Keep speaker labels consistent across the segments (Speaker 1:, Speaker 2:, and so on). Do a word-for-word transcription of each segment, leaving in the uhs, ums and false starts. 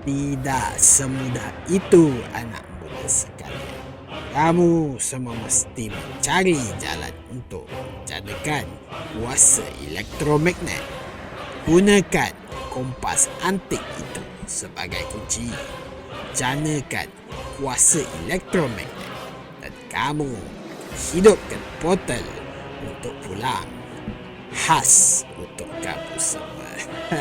Speaker 1: Tidak semudah itu, anak muda sekalian. Kamu semua mesti mencari jalan untuk menjadikan kuasa elektromagnet. Gunakan kompas antik itu sebagai kunci. Janakan kuasa elektromagnet dan kamu hidupkan portal untuk pulang. Khas untuk kamu semua.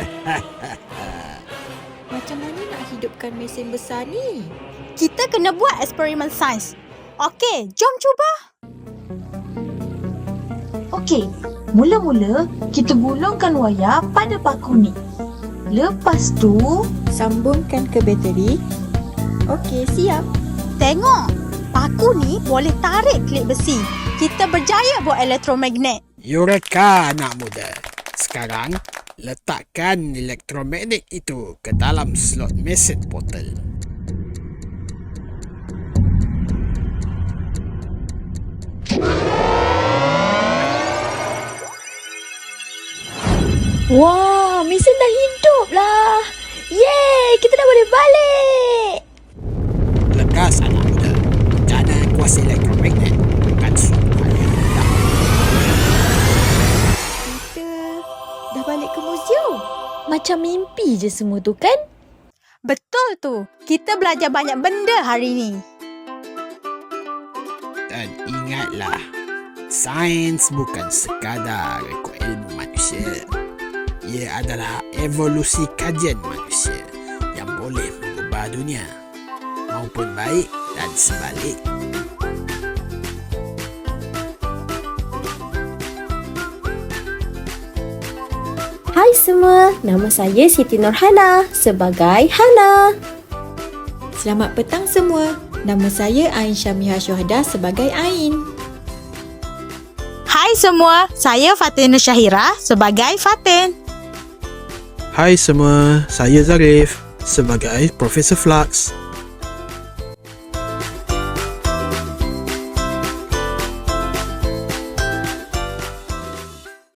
Speaker 2: Macam mana nak hidupkan mesin besar ni?
Speaker 3: Kita kena buat eksperimen sains. Okey, jom cuba.
Speaker 4: Okey, mula-mula kita gulungkan wayar pada paku ni. Lepas tu,
Speaker 2: Sambungkan ke bateri. Okey, siap.
Speaker 3: Tengok, paku ni boleh tarik klip besi. Kita berjaya buat elektromagnet.
Speaker 1: Eureka, anak muda. Sekarang, letakkan elektromagnet itu ke dalam slot mesin portal.
Speaker 2: Wah, mesin dah hidup lah. Yeay, kita dah boleh balik.
Speaker 1: Lekas, anak muda. Jana kuasa elektromagnet bukan suatu hal yang mudah.
Speaker 2: Kita dah balik ke museum. Macam mimpi je semua tu kan?
Speaker 3: Betul tu. Kita belajar banyak benda hari ni.
Speaker 1: Dan ingatlah, sains bukan sekadar rekod ilmu manusia. Ia adalah evolusi kajian manusia yang boleh mengubah dunia, maupun baik dan sebalik.
Speaker 5: Hai semua, nama saya Siti Nurhana sebagai Hana.
Speaker 2: Selamat petang semua. Nama saya Ain Syamiha Syuhada sebagai Ain.
Speaker 3: Hai semua, saya Fatin Syahira sebagai Fatin.
Speaker 6: Hai semua, saya Zarif sebagai Profesor Flux.